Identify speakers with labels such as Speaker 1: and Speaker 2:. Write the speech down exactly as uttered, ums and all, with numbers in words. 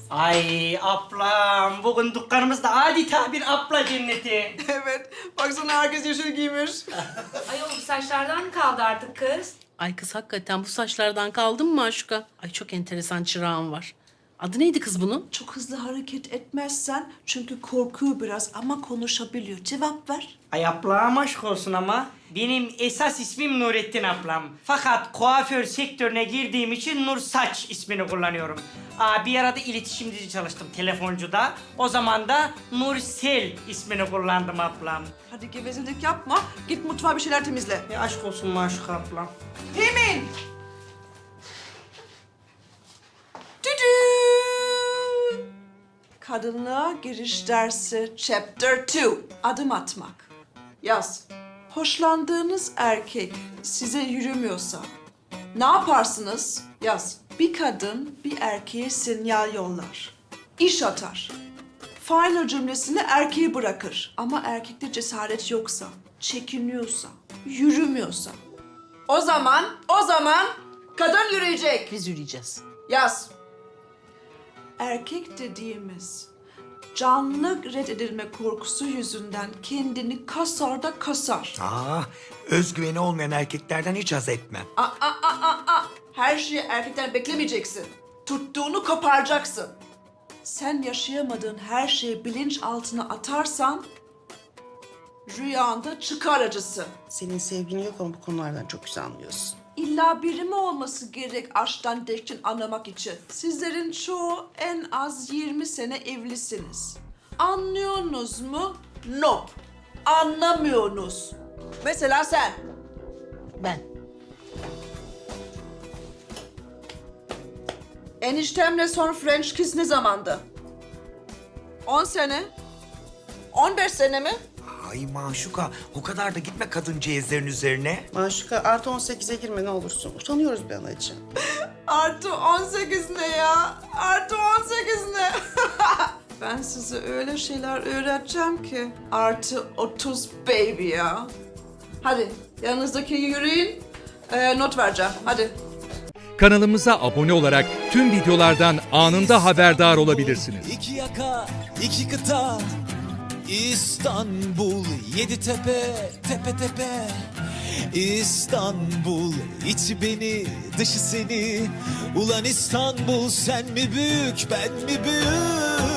Speaker 1: Ay ablam, bugün dükkanımızda adeta bir abla cenneti.
Speaker 2: Evet. Baksana herkes yeşil giymiş.
Speaker 3: Ay o bu saçlardan mı kaldı artık kız?
Speaker 4: Ay kız hakikaten bu saçlardan kaldın mı Maşuka? Ay çok enteresan çırağın var. Adı neydi kız bunun?
Speaker 2: Çok hızlı hareket etmezsen çünkü korkuyor biraz ama konuşabiliyor. Cevap ver.
Speaker 1: Ay ablam aşk olsun ama benim esas ismim Nurettin ablam. Fakat kuaför sektörüne girdiğim için Nur Saç ismini kullanıyorum. Aa, bir arada iletişimci çalıştım telefoncuda. O zaman da Nursel ismini kullandım ablam.
Speaker 2: Hadi gevezelik yapma. Git mutfağa bir şeyler temizle.
Speaker 1: Ya aşk olsun Maşuka ablam.
Speaker 2: Hemen. Düdü. Kadınlığa giriş dersi chapter two. Adım atmak. Yaz. Hoşlandığınız erkek size yürümüyorsa ne yaparsınız? Yaz. Bir kadın bir erkeğe sinyal yollar. İş atar. Final cümlesini erkeği bırakır. Ama erkekte cesaret yoksa, çekiniyorsa, yürümüyorsa. O zaman, o zaman kadın yürüyecek.
Speaker 4: Biz yürüyeceğiz.
Speaker 2: Yaz. Erkek dediğimiz canlı reddedilme korkusu yüzünden kendini kasar da kasar.
Speaker 5: Aa, özgüveni olmayan erkeklerden hiç haz etmem.
Speaker 2: Aa, aa, aa, aa, aa. Her şeyi erkekten beklemeyeceksin. Tuttuğunu koparacaksın. Sen yaşayamadığın her şeyi bilinç altına atarsan rüyanda çıkar acısı.
Speaker 6: Senin sevgin yok ama bu konulardan çok güzel anlıyorsun.
Speaker 2: İlla biri mi olması gerek aşktan dekçin anlamak için? Sizlerin çoğu en az yirmi sene evlisiniz. Anlıyorsunuz mu? Nope. Anlamıyorsunuz. Mesela sen.
Speaker 4: Ben.
Speaker 2: Eniştemle son French kiss ne zamandı? On sene? On beş sene mi?
Speaker 5: Ay Maşuka, o kadar da gitme kadıncağızların üzerine.
Speaker 6: Maşuka artı on sekize girme ne olursun. Utanıyoruz be anacığım.
Speaker 2: Artı on sekiz ne ya? Artı on sekiz ne? Ben size öyle şeyler öğreteceğim ki. Artı otuz baby ya. Hadi yanınızdaki yürüyün. Ee, not vereceğim. Hadi.
Speaker 7: Kanalımıza abone olarak tüm videolardan anında haberdar olabilirsiniz.
Speaker 8: İki yaka, iki kıta, İstanbul, yedi tepe, tepe tepe. İstanbul, içi beni, dışı seni. Ulan İstanbul, sen mi büyük, ben mi büyük?